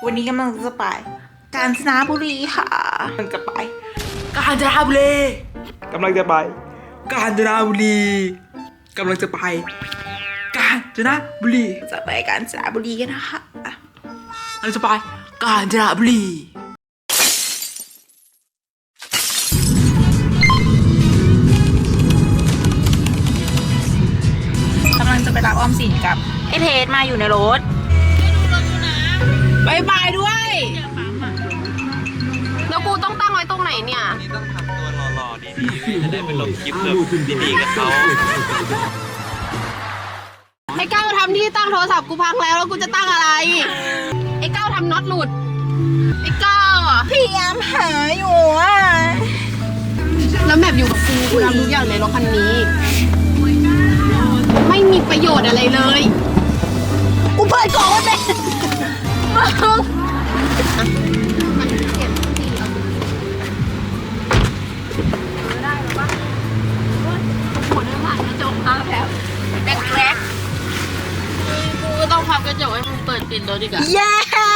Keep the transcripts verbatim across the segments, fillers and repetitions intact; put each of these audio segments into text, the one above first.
วันนี้กำลังจะไปกาญจนบุรีค่ะกำลังจะไปกาญจนบุรีกำลังจะไปกาญจนบุรีกำลังจะไปกาญจนบุรีจะไปกาญจนบุรีกันนะคะเราจะไปกาญจนบุรีกำลังจะไปรับออมสินกับไอเพจมาอยู่ในรถบายบายด้วยแล้วกูต้องตั้งไว้ตรงไหนเนี่ยนี่ต้องทำตัวหล่อๆดีๆจะได้ไปลงคลิปแบบดีๆกับเขาไอ้ก้าวทำที่ตั้งโทรศัพท์กูพังแล้วแล้วกูจะตั้งอะไรไอ้ก้าวทำน็อตหลุดไอ้ก้าวอ่ะพยายามหาอยู่อ่ะแล้วแมพอยู่กับกูกูทำทุกอย่างในรถคันนี้ไม่มีประโยชน์อะไรเลยกูเปิดกล่องไว้เป็นกูก็ต้องพับกระจกให้มึงเปิดปิดรถดีกว่าเย้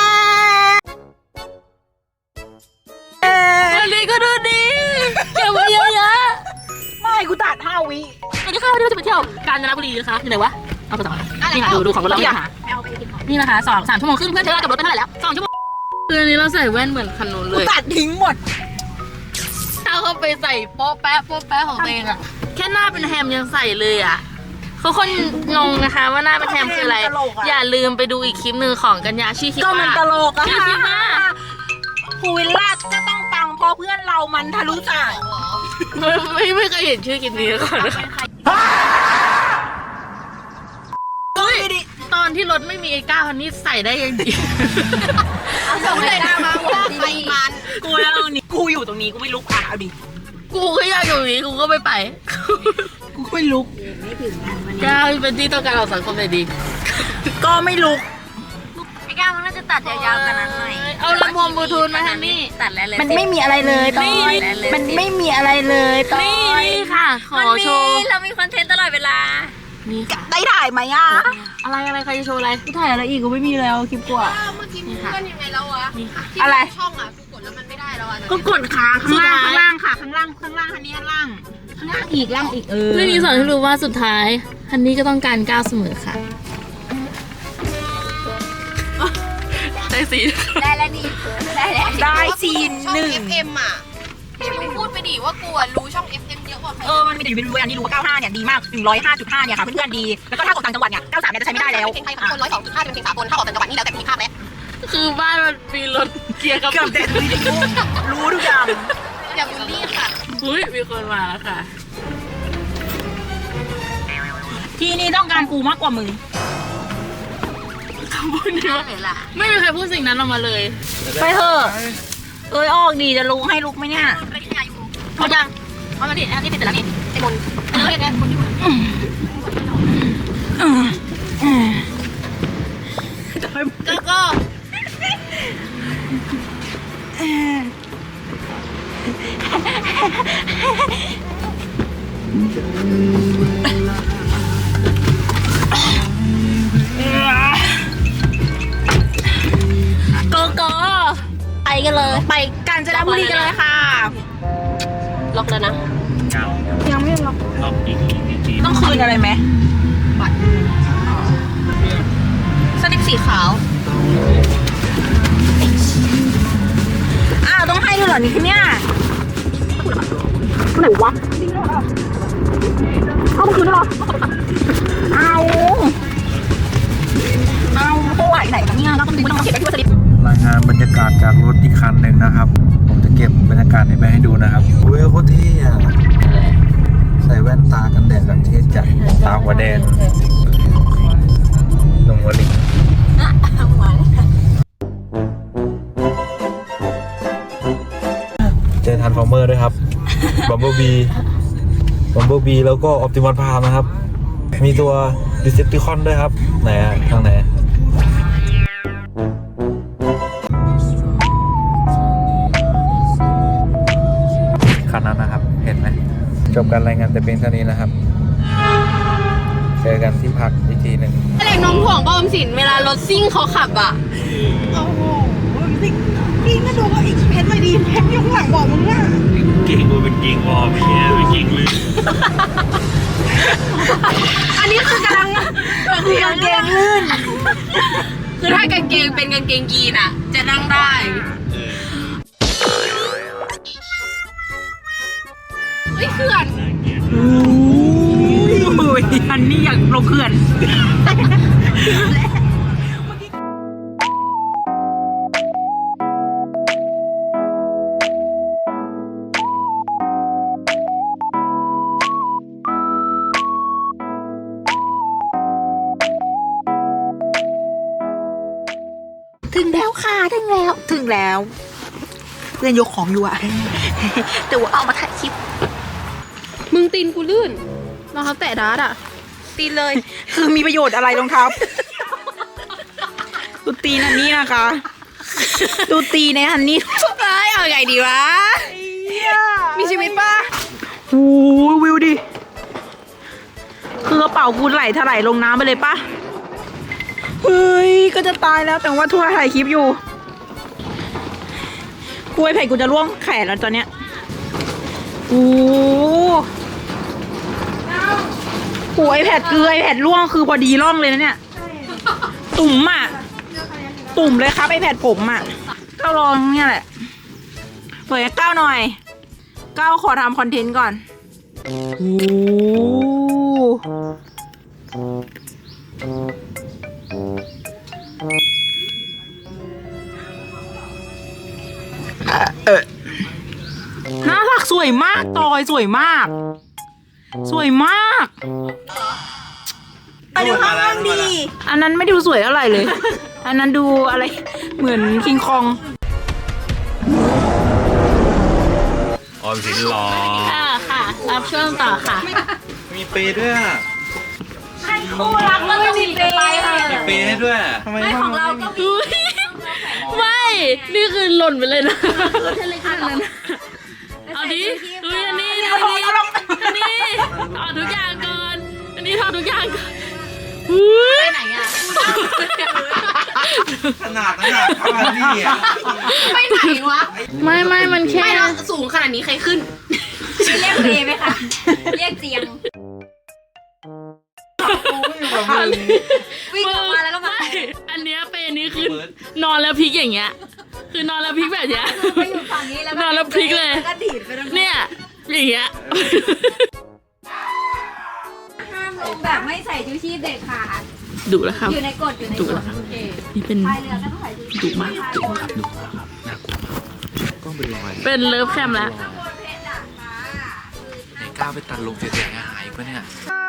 วันนี้ก็ดูดีเก็บไว้เยอะๆไม่กูตัดห้าวิวันนี้ค่ะวันนี้เราจะไปเที่ยวกาญจนบุรีนะคะอยู่ไหนวะเอาไปต่อนี่ค่ะดูดูของรถเราเนี่ยค่ะนี่นะคะสองสามชั่วโมงครึ่งเพื่อนใช้เวลากับรถไปเท่าไหร่แล้วสองชั่วโมงคืออันนี้เราใส่แว่นเหมือนคันนู้นเลยตัดทิ้งหมดถ้าเขาไปใส่โป๊ะแป๊ะโป๊ะแป๊ะของตัวเองอะแค่หน้าเป็นแฮมยังใส่เลยอะเขาคนงงนะคะว่าหน้าเป็นแฮมคืออะไรอย่าลืมไปดูอีกคลิปหนึ่งของกัญญาชื่อคลิปว่าก็มันตลกอะชื่อคลิปว่าภูวิลล่าจะต้องปังเพราะเพื่อนเรามันทะลุจ่ายไม่ไม่เคยเห็นชื่อคลิปนี้ก่อนตอนที่รถไม่มีไอ้ก้าวคันนี้ใส่ได้ยังดีส่งเลยมาว่าไปมันกูแล้วตรงนี้กูอยู่ตรงนี้กูไม่ลุกอ่ะเอาดิกูก็อยากอยู่นี้กูก็ไม่ไปกูไม่ลุกก้าวเป็นที่ต้องการของสังคมเลยดีก็ไม่ลุกไอ้ก้าวมันน่าจะตัดยาวๆกันนั้นหน่อยเอาลำโพงบลูทูธมาทางนี้ตัดแล้วเลยมันไม่มีอะไรเลยตอนมันไม่มีอะไรเลยตอนนี่ค่ะขอโชว์เรามีคอนเทนต์ตลอดเวลานี่ได้ถ่ายไหมอ่ะอะไรอะไรใครจะโชว์อะไรกูถ่ายอะไรอีกกูไม่มีแล้วคลิปกูอ่ะเมื่อกี้มึงเลื่อนยังไงแล้ววะอะไรช่องอ่ะกูกดแล้วมันไม่ได้แล้วอ่ะก็กดขาข้างล่างข้างล่างค่ะข้างล่างข้างล่างอันนี้ข้างล่างข้างล่างอีกล่างอีกเออเรื่องนี้สอนให้รู้ว่าสุดท้ายฮันนี่ก็ต้องการก้าวเสมอค่ะได้สีได้แล้วนี่ได้แล้วได้ซีนหนึ่งเอฟ เอ็ม อ่ะให้มึงพูดไปดิว่ากูรู้ช่อง เอฟ เอ็ม เยอะกว่าใครเออมันมีแต่อยู่เป็นเวอร์ชันที่รู้ว่าเก้าห้าเนี่ยดีมากหนึ่งร้อยห้าจุดห้าเนี่ยค่ะเพื่อนๆดีแล้วก็ถ้ากดต่างจังหวัดเนี่ยเก้าสามเนี่ยจะใช้ไม่ได้แล้วเพลงไทยของคนร้อยสองจุดห้าเป็นเพลงสากลถ้าออกต่างจังหวัดนี่แล้วแต่มีภาพแล้วคือบ้านมันมีรถเกียร์กับเกือบเด็ดรู้ทุกอย่างอย่าบูลลี่ค่ะอุ้ยมีคนมาแล้วค่ะที่นี่ต้องการกูมากกว่ามึงคำพูดนี้ว่าไม่มีใครพูดสิ่งนั้นออกมาเลยไปเถอะเอ้ยออกดีจะลุกให้ลุกไหมเนี่ยพอยังพอมาดิอันนี้ติดแต่ละนี่ไอ้บนเออเนี่ยคนที่ก็ก็โกโก้ไปกันเลยไปกาญจนบุรีกันเลยค่ะล็อกแล้วนะยังไม่ล็อกล็อกอีกทีต้องคืนอะไรไหมบัตรสลิปสีขาวอ้าวต้องให้ด้วยเหรอนี่คือเนี่ยไหนวะเอามาคืนด้วยเหรอเอาเอาโอ้ยไหนคะเนี่ยเราต้องดูต้องเก็บไปที่สลิปรายงานบรรยากาศจากรถอีกคันหนึ่งนะครับผมจะเก็บบรรยากาศนี้ไปให้ดูนะครับโอ้ยโคตรเท่อะใส่แว่นตากันแดดแบบเท่จัดตาหัวแดงลงหัวลิงเจอทันฟอร์เมอร์ด้วยครับบัมเบิลบีบัมเบิลบีแล้วก็ออปติมัสพรามนะครับมีตัวดิเซปติคอนด้วยครับไหนอะทางไหนคันนั้นนะครับเห็นไหมจบการรายงานแต่เพียงเท่านี้นะครับเจอกันที่พักอีกทีหนึ่งอะไรน้องห่วงป้อมสินเวลารถซิ่งเขาขับอ่ะโอ้โหพี่ก็ดูว่าอีกเพชรเลยดีเพชรอยู่ข้างหลังบอกมึงอ่ะเก่งกูเป็นเก่งวอร์มไม่ใช่ไม่เก่งเลยอันนี้คือกำลังกางเกงลื่นคือถ้ากางเกงเป็นกางเกงยีนอ่ะ จะนั่งได้เฮ้ยเขื่อนโอ้ยอันนี้อยากลงเขื่อนถึงแล้วค่ะถึงแล้วถึงแล้วเพื่อนยกของอยู่อะ แต่ว่าเอามาถ่ายคลิปมึงตีนกูลื่นรองเท้าแตะดาร์ดอ่ะตีเลย คือมีประโยชน์อะไรรองเท้าดูตีนอันนี้นะคะดูตีในอันนี้เอ้ยเอาไงดีวะ มีชีวิตป่ะโอ้ยวิวดิ คือกระเป๋ากูไหลถลายลงน้ำไปเลยปะเฮ้ย ก็จะตายแล้วแต่ว่าทั่วถ่ายคลิปอยู่กล้วยไผ่กูจะร่วงแขนแล้วตอนเนี้ยโอ้โหไอแพดเกลือไอแพดร่วงคือพอดีร่องเลยนะเนี่ย ตุ่มอ่ะ ตุ่มเลยครับไอแพดผมอ่ะก้าวลองเนี่ยแหละเปิดก้าวหน่อยก้าวขอทำคอนเทนต์ก่อนโอ้เออหน้าผักสวยมากตอยสวยมาก สวยมากไปดูข้างล่างดีอันนั้นไม่ดูสวยเท่าไหร่เลย อันนั้นดูอะไรเหมือนคิงคองออมสินรอค่ะค่ะ รับช่วงต่อค่ะมีเปย์ด้วยอ่ะคู่รักแล้วก็มีเปย์มีเปย์ให้ด้วยทำไมของเราก็มีไม่ นี่คือหล่นไปเลยนะ เอาดิดูอันนี้ดูอันนี้อันนี้ถอดทุกอย่างก่อน อันนี้ถอดทุกอย่างก่อนไปไหนอ่ะขนาดนั้นอ่ะขนาดนี้อ่ะไปไหนวะ ไม่ไม่มันแค่ไม่แล้วสูงขนาดนี้ใครขึ้นเรียกเอไหมคะ เรียกเจียง วิ่งออกมาแล้วก็มาอันเนี้ยเป็นอันนี้คือนอนแล้วพลิกอย่างเงี้ย คือนอนแล้วพลิกแบบเนี้ยไปอยู่ฝั่งนี้แล้วนอนแล้วพลิกเลยก็ดีดไปตรงเนี่ยอย่างเงี้ยห้ามลงแบบไม่ใส่ชูชีพเด็ดขาดดุแล้วครับอยู่ในกฎอยู่ในดุกฎแล้วครับโอเคนี่เป็นพายเรือก็ต้องใส่ชูชีพดุมากดูครับดูมากครับน่ากลัวมากกล้องเป็นรอยเป็นเลิฟแคมแล้วไหนก้าวไปตัดลงเสียหายปะเนี่ย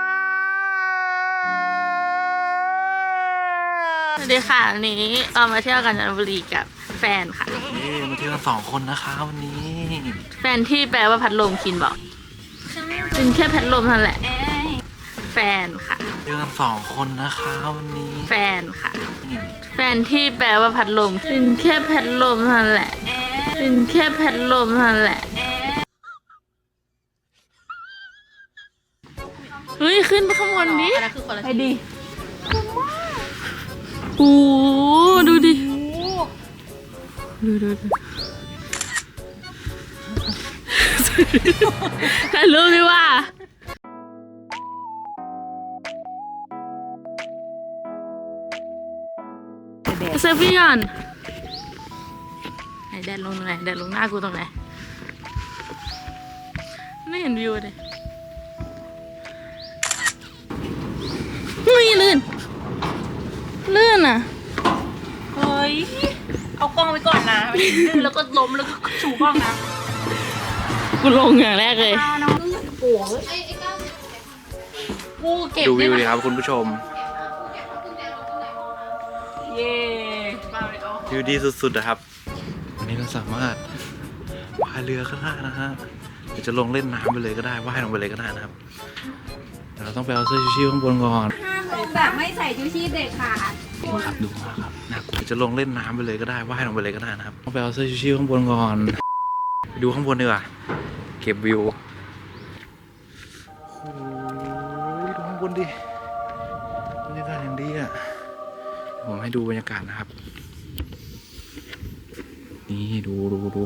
สวัสดีค่ะวันนี้เรามาเที่ยวกาญจนบุรีกับแฟนค่ะนี่มาเที่ยวกันสองคนนะคะวันนี้แฟนที่แปลว่าพัดลมคินบอกเป็นแค่พัดลมนั่นแหละ แฟนค่ะเที่ยวกันสองคนนะคะวันนี้แฟนค่ะ แฟนที่แปลว่าพัดลมเป็นแค่พัดลมนั่นแหละเป็นแค่พัดลมนั่นแหละเฮ้ยขึ้นไปข้างบนดิไปดิโอ้ดูดิดูดูดูถ่ายรูปดิว่าเซลฟี่ก่อนไหนแดดลงตรงไหนแดดลงหน้ากูตรงไหนไม่เห็นวิวเลยไม่ลื่นลื่นอ่ะเฮ้ย เอากล้องไปก่อนนะไปดื้อแล้วก็ล้มแล้วก็ชูกล้องนะกูลงอย่างแรกเลยกูเก็บดูวิวได้ดิไหมครับคุณผู้ชมเย่มาไปเอาวิวดีสุดๆนะครับ วันนี้เราสามารถพายเรือก็ได้นะฮะหรือจะลงเล่นน้ำไปเลยก็ได้ว่ายลงไปเลยก็ได้นะครับแต่เราต้องไปเอาเสื้อชูชีพข้างบนก่อนห้ามลงแบบไม่ใส่ชูชีพเด็ดขาดดูครับดูมากครับน่ากลัวจะลงเล่นน้ำไปเลยก็ได้ว่ายลงไปเลยก็ได้นะครับต้องไปเอาเสื้อชูชีพข้างบนก่อนไปดูข้างบนดีกว่าเก็บวิวโอ้ยดูข้างบนดิผมให้ดูบรรยากาศนะครับ นี่ดูดูดู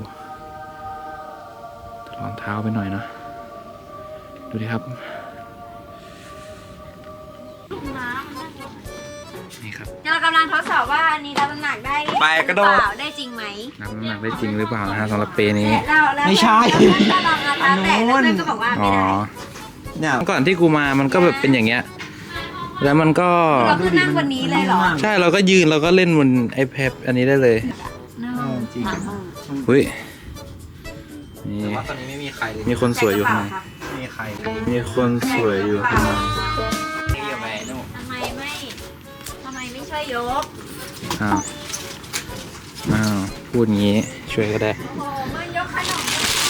ถลอนเท้าไปหน่อยนะ ดูดิครับ นี่ครับเรากำลังทดสอบว่าอันนี้รับน้ำหนักได้ไปกระโดดเปล่าได้จริงไหมน้ำหนักได้จริงหรือเปล่านะฮะสำหรับเปนี้เราแล้วไม่ใช่เราลองเอาเท้าแตะแล้วเพื่อนก็บอกว่าอ๋ไม่อได้เนี่ยก่อนที่กูมามันก็แบบเป็นอย่างเงี้ย แล้วมันก็เราคือนั่งบนนี้เลยเหรอใช่เราก็ยืนเราก็เล่นบน iPad อันนี้ได้เลยจริงอุ้ยนี่ว่าตอนนี้ไม่มีใครเลยมีคนสวยอยู่ข้างในไม่มีใครมีคนสวยอยู่ข้างในเรียกไปนู่นทำไมไม่ทำไมไม่ช่วยยกอ้าวอ้าวพูดงี้ช่วยก็ได้โอ้โหมันยกขนม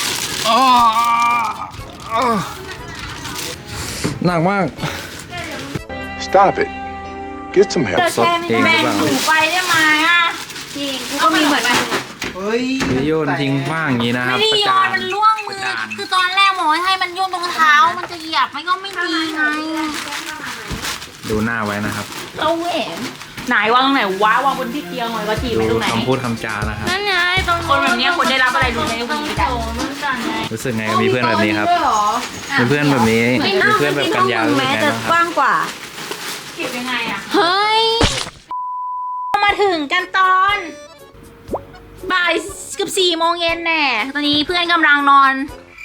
หนักมาก Stop it. Get some help. สดเองหรือเปล่าไปได้ไหมอ่ะจริงกูก็มีเหมือนกันเฮ้ยไปโยนทิ้งขว้างอย่างนี้นะครับไม่ได้ประโยจาน นมันล่วงมือ คือตอนแรกหมอให้มันโยนตรงเท้า มันจะเหยียบมันก็ไม่ดีไงดูหน้าไว้นะครับเราเห็นไหนวางตรงไหนวะวางบนที่เตียงไว้ก็ทีดูไม่ตรงไหนคำพูดคำจานะครับนั่นไงตรงคนแบบนี้คนได้รับอะไรรู้ไหมวีดอะรู้สึกไงกับมีเพื่อนแบบนี้ครับมีเพื่อนแบบนี้มีเพื่อนแบบกัญญารู้สึกไงบ้างคกรับว้างกว่าเก็บยังไงอะเฮ้ย มาถึงกันตอนบ่ายเกือบสี่โมงเย็นแน่ตอนนี้เพื่อนกำลังนอน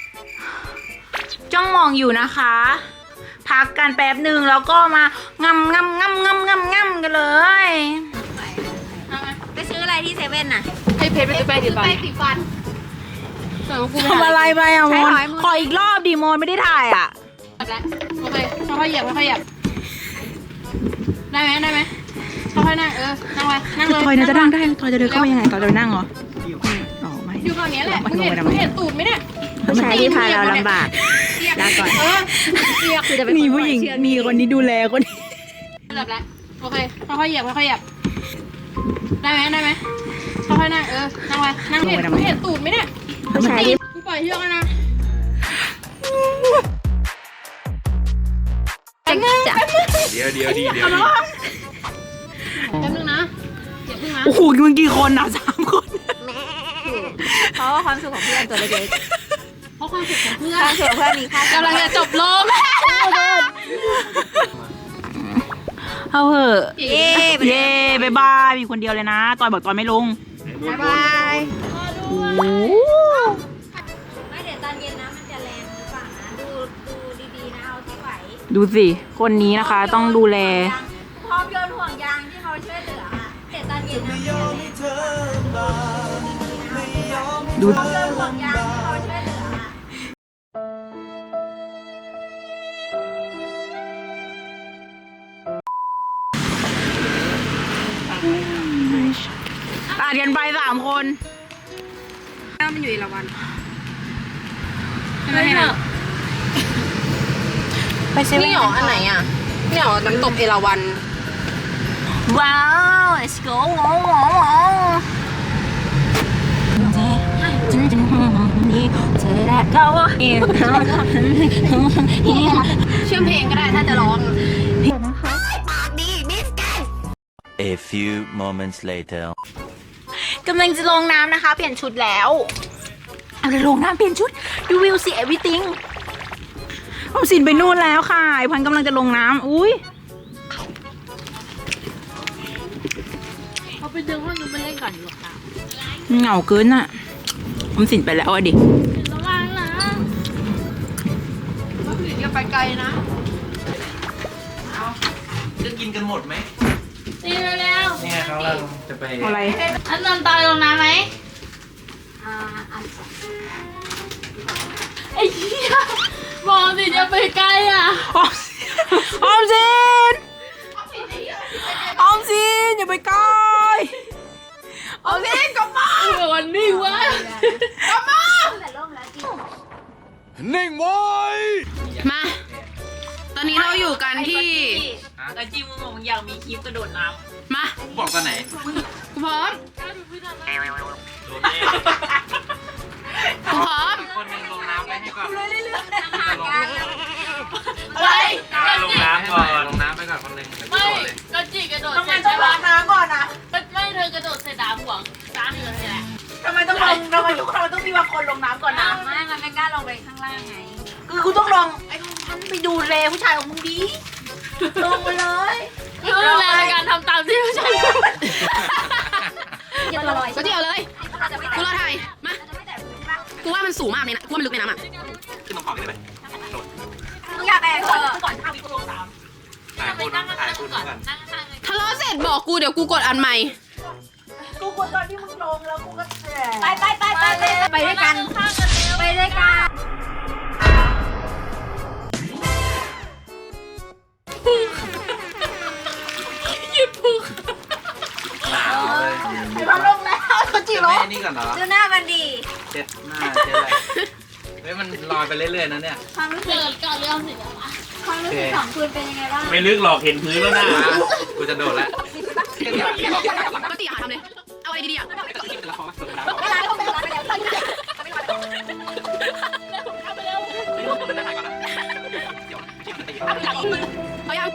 จ้องมองอยู่นะคะ พักกันแป๊บหนึ่งแล้วก็มางำงำงำงำงำงำกันเลยไปซื้ออะไรที่เซเว่นน่ะให้เพชรไปซื้อไปดิไปสีฟันทำอะไรไปอ่ะใช้มหนอยขออีกรอบดิโมนไม่ได้ถ่ายอ่ะโอเคค่อยๆเหยียบค่อยๆเหยียบได้ไหมได้ไหมค่อยๆนั่งเออนั่งไปนั่งเลยทอยน่าจะนั่งได้ทอยจะเดินเข้าไปยังไงทอยจะนั่งเหรออ๋อไม่อยู่ฝั่งนี้แหละมึงเห็นมึงเห็นตูดไหมเนี่ยผู้ชายที่พาเราลำบากลาก่อนเออเหยียบคือจะเป็นมีผู้หญิงมีคนนี้ดูแลคนนี้เหยียบแล้วโอเคค่อยๆเหยียบค่อยๆเหยียบได้ไหมได้ไหมค่อยๆนั่งเออนั่งไปนั่งเห็นมึงเห็นตูดไหมเนี่ยผู้ชายที่กูปล่อยเชือกแล้วนะจะเดี๋ยวเดี๋ยวดีเดี๋ยวดีแป๊บนึงนะอย่าเพิ่งนะโอ้โหมึงกี่คนนะสามคนเพราะว่าความสุขของเพื่อนตัวเล็กเพราะความสุขของเพื่ๆอนความสุขของเพื่อนมีค่ากำลังจะจบลมเอาเหอะเย้เย่บายบายมีคนเดียวเลยนะตอยบอกตอยไม่ลงบ๊ายบายโอ้ไม่เดี๋ยวตอนเย็นนะมันจะแรงหรือเปล่านะดูดูดีๆนะเอาที่ไหวดูสิคนนี้นะคะต้องดูแลพร้อมโยนห่วงยางที่เขาช่วยเหลืออะเดี๋ยวตอนเย็นนะมันจะแรงดูพร้อมโยนห่วงยางที่เขาช่วยเหลืออะอ่านกันไปสามคนมันอยู่อีละวันอะไรนะไปเซเว่นนี่หรออันไหนอ่ะนี่หรอน้ำตกเอราวัณว้าว let's go ว้าวว้าวว้าวเธอได้ก็ว่าเองเชื่อมเพลงก็ได้ถ้าจะร้อง A few moments later. กำลังจะลงน้ำนะคะ เปลี่ยนชุดแล้วเอาเลยลงน้ำเปลี่ยนชุด you will see everything ออมสินไปนู่นแล้วค่ะไอพันกำลังจะลงน้ำอุ้ยเขาไปดึงห้องนู้นไปเล่นก่อนดีกว่าค่ะเหงาเกินอ่ะออมสินไปแล้วอ่ะดิระวังนะก็คืออย่าไปไกลนะจะกินกันหมดไหมนี่เร็วนี่ไงเขาเราจะไปอะไรๆอันนอนตายลงน้ำไหมอ่าอันไอ้เหี้ยบอกสิอย่าไปไกลอ่ะออมออมสินออมสินอย่าไปใกล้ออมสินกลับมาวันนี้วะแต่ร่มแล้วจริงนิ่งไว้มา ตอนนี้เราอยู่กันที่แต่จิมมึงบอกมึงอยากมีคลิปกระโดดน้มาบอกตอนไหนกูพร้อมกูพร้อมคนนึงลงน้ำไปให้ก่อนไปลงน้ำก่อนลงน้ำไปก่อนคนนึงเดี๋ยวกูไม่โดดเลยก็จีกระโดดำต้องเสร็มาจต้อใช่งล้าปะงน้ำก่อนต้องลองไอ้พันไปดูแลผู้ชายของมึงดีลงไปเลยดูแลในการทำตามที่ผู้ชายพูดอย่าตัวลอยก็เดียวเลยจะไม่แตะกูรอถ่ายมาจะไม่แตะพื้นป่ะกูว่ามันสูงมากเลยนะกูว่ามันลึกในน้ำอ่ะขึ้นมาขอกันได้ไหมมึงอยากแตะเออก่อนห้าวิก็ลงสามถ่ายคุณถ่ายคุณกันทะเลาะเสร็จบอกกูเดี๋ยวกูกดอันใหม่กูกดตอนที่มึงลงแล้วกูก็แฉไปไปไปไปไปไปด้วยกันไปด้วยกันหนาวเลยไอ้พันลงแล้วเขาจีจะบไม่นี่ก่อนเหรอดูหน้ามันดีเช็ดหน้าเช็ดอะไรเฮ้ยมันลอยไปเรื่อยๆนะเนี่ยความรู้สึเกิกดก่อนเรื่องสิแล้ววะความรู้สึกของคุณเป็นยังไงบ้างไม่ลึกหรอกเห็นพื้นแล้วนะกูจะโดดแล้วก็ตีอาทำเลย เอาอะไรดีๆอ่ะเวลาเขาไปร้านไปแล้วตั้งใจเอายัง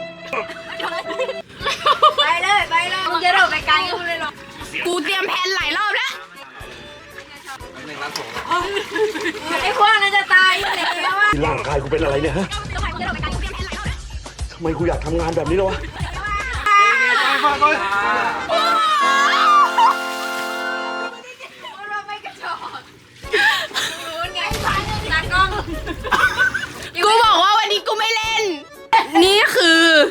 ไปเลยไปเลยมึงจะโดดไปไกลกูเลยหรอกูเตรียมแผนหลายรอบแล้วหนึ่งล้านสองไอ้พวกนั้นจะตายอยู่แล้วอ่ะร่างกายกูเป็นอะไรเนี่ยฮะทำไมมึงจะโดดไปไกลกูเตรียมแผนหลายรอบแล้วทำไมกูอยากทำงานแบบนี้เลยวะเราไม่กระจอกรู้ไงตากล้องกูบอกว่าวันนี้กูไม่เล่น นี่คือ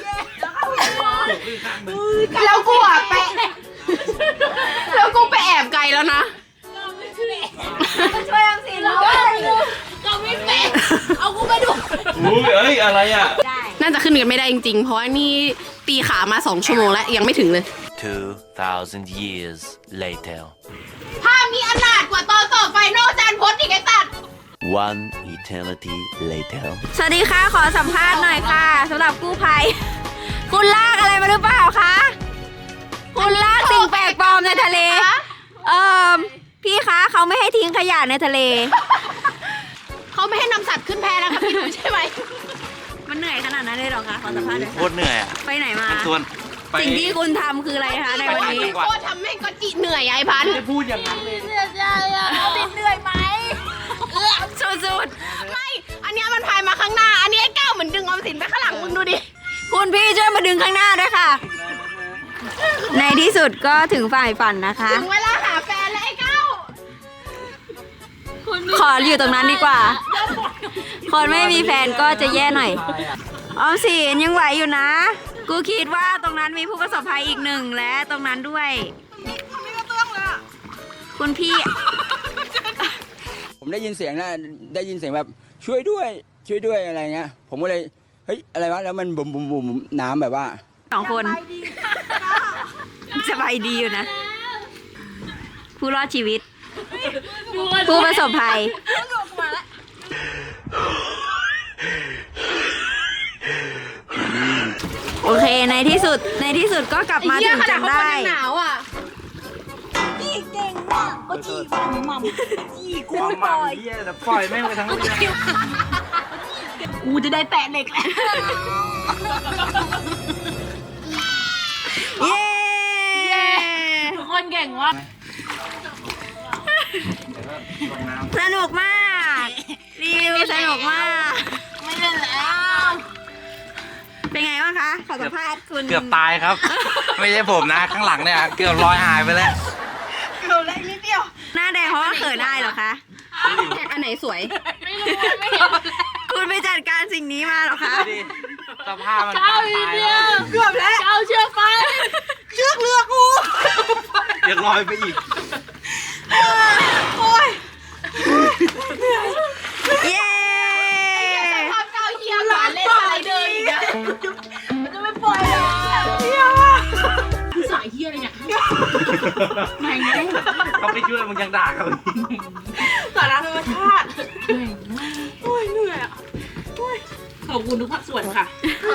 แล้วกูอ่ะไป แล้วกูไปแอบไกลแล้วนะช่วยอังสินด้วยเราไม่เป็นเอากูไปดูอุ้ยเอ้ยอะไรอ่ะน่าจะขึ้นกันไม่ได้จริงๆ เพราะว่านี่ตีขามาสองชั่วโมงแล้วยังไม่ถึงเลย Two thousand years later. ภาพนี้อนาถกว่าตอนสอบไฟนอลจานพจน์อีกไอ้ตัด One eternity later. สวัสดีค่ะขอสัมภาษณ์หน่อยค่ะสำหรับกู้ภัย คุณลากอะไรมาหรือเปล่าคะคุณลากสิ่งแปลกปลอมในทะเล เอ่อพี่คะเขาไม่ให้ทิ้งขยะในทะเลเขาไม่ให้นำสัตว์ขึ้นแพนะคะพี่หนูใช่ไหมมันเหนื่อยขนาดนั้นเลยเหรอคะขอสัมภาษณ์หน่อยโคค่ะตรเหนื่อยอ่ะไปไหนมาส่วนไปสิ่งที่คุณทำคืออะไรคะในวันนี้โคตรทำให้ก็จิเหนื่อยไอ้พันพูดอย่างนั้นเลยเสียใจอ่ะเหนื่อยไหมสุดไม่ อันเนี้ยมันพายมาข้างหน้า อันนี้ไอ้ก้าวเหมือนดึงออมสินไปข้างหลังมึงดูดิๆคุณพี่ช่วยมาดึงข้างหน้าด้วยค่ะ ในที่สุดก็ถึงฝ่ายฝันนะคะถึงเวลาหาแฟนแล้วไอ้ก้าวขออยู่ตรงนั้นดีกว่า คนไม่มีแฟนก็จะแย่หน่อย ออมสินยังไหวอยู่นะ กูคิดว่าตรงนั้นมีผู้ประสบภัยอีกหนึ่งและตรงนั้นด้วย คุณพี่ผมได้ยินเสียงนะได้ยินเสียงแบบช่วยด้วย ช่วยด้วยอะไรเงี้ย ผมก็เลยเฮ้ยอะไรวะแล้วมันบุ๋มบุ๋มบุ๋มน้ำแบบว่าสองคนสบายดีอยู่นะ ผู้รอดชีวิต ผู้ประสบภัย โอเคในที่สุดในที่สุดก็กลับมาถึงจนได้หนาวอ่ะกูปล่อยปล่อยแม่งไปทั้งเรื่องกูจะได้แตะเหล็กแล้ว เย้ทุกคนเก่งวะสนุกมากรีวิวสนุกมากไม่เล่นแล้วเป็นไงบ้างคะขอสัมภาษณ์คุณเกือบตายครับ ไม่ใช่ผมนะ ข้างหลังเนี่ย เกือบลอยหายไปแล้วหน้าแดงเพราะว่าเขินได้เหรอคะอันไหนสวยไม่รู้ไม่เห็นคุณไปจัดการสิ่งนี้มาเหรอคะดิสภาพมันเก้าอีกเดียวเกือบแล้วเก้าเชือกไปเชือกเรือกูเดี๋ยวลอยไปอีกเย้ภาพเก้าเฮียหวานเล่นอะไรเดินอีกอะสายเฮียอะไรเนี่ยเขาไปช่วยมึงยังด่าเขาอีกสาระธรรมชาติขอบคุณทุกภาคส่วนค่ะ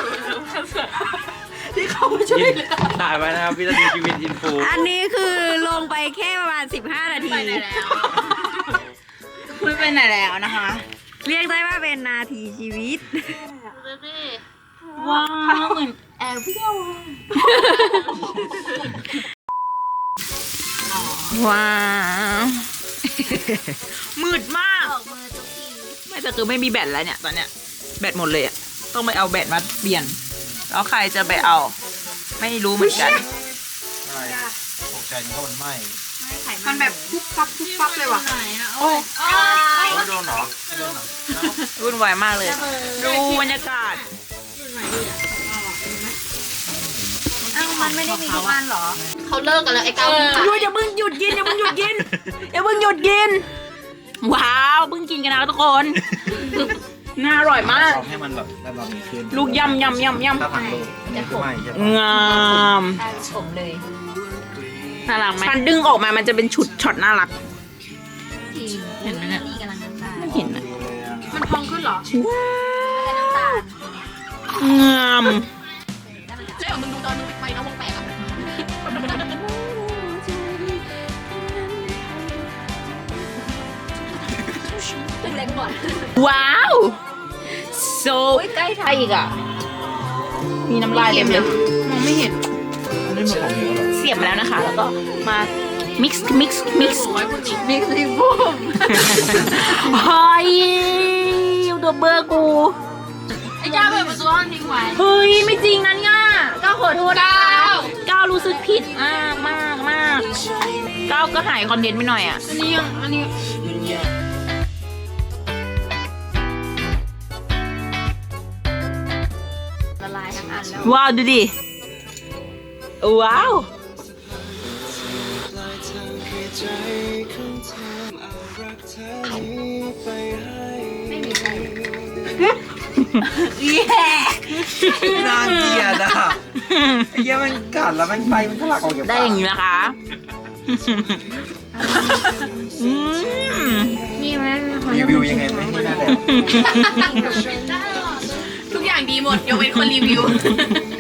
ที่เขามาช่วยเหลือถ่ายไว้นะครับวินาทีชีวิตอินฟูอันนี้คือลงไปแค่ประมาณสิบห้านาทีไปไหนแล้วคุณไปไหนแล้วนะคะ เรียกได้ว่าเป็นนาทีชีวิตดูสิว้าวเหมือนแอร์เรียลว้าว มืดมากออกมือทุกทีไม่แต่คือไม่มีแบตแล้วเนี่ยตอนเนี้ยแบตหมดเลยอะต้องไปเอาแบตมาเปลี่ยน แล้วใครจะไปเอา ไม่รู้เหมือนกันใช่ตกใจนี่ก็มันไหม้มันแบบปุ๊บปั๊บปุ๊บปั๊บเลยว่ะโอ้ยไม่โดนเหรอไม่โดนเหรอวุ่นวายมากเลย ดูบรรยากาศอ้าวมันไม่ได้มีทุกอันเหรอเขาเลิกกันแล้วไอ้เก้ามึงหยุดอย่าเพิ่งหยุดกินอย่าเพิ่งหยุดกินอย่าเพิ่งหยุดกิน ว้าวเพิ่งกินกันนะทุกคน น่าอร่อยมากเอาให้มันแบบระดับนี้ขึ้นลูกยำยำยำยำถ้าผักลูกนี่คือไหม้ใช่ปะงามผมเลยน่ารักไหมมันดึงออกมามันจะเป็นชุดช็อตน่ารักทีมเห็นไหมเนี่ยนี่กำลังน้ำตาลไม่เห็นนะมันพองขึ้นเหรอแล้วก็น้ำตาลงามเจ๊มึงดูตอนมึงไปน้องวงแตกอ่ะเป็นเล็กก่อนว้าว so ใกล้ไทใช่ยอีกอ่ะ มีน้ำลายเต็มเลยมองไม่เห็นอันนี้มันของเหนียวเหรอเสียบมาแล้วนะคะ แล้วก็มา mix mix mix มิกซิบูมเฮ้ยเดอะเบอร์กูไอ้จ้าเปิดประตูห้องทิ้งไว้เฮ้ย ไม่จริงนะเนี่ยก้าวขอโทษนะคะก้าวรู้สึกผิดมากมากมากก้าวก็หายคอนเทนต์ไปหน่อยอ่ะอันนี้ยังอันนี้ละลายทั้งอันแล้วว้าว ดูดิ ว้าวไม่มีใครน่าเกลียดอ่ะไอ้เหี้ยมันกัดแล้วมันไฟมันทะลักออกจากได้ปากอย่างนี้นะคะอืมนี่มันรีวิวยังไงไม่ให้ได้เลยทุกอย่างดีหมดยกเว้นคนรีวิว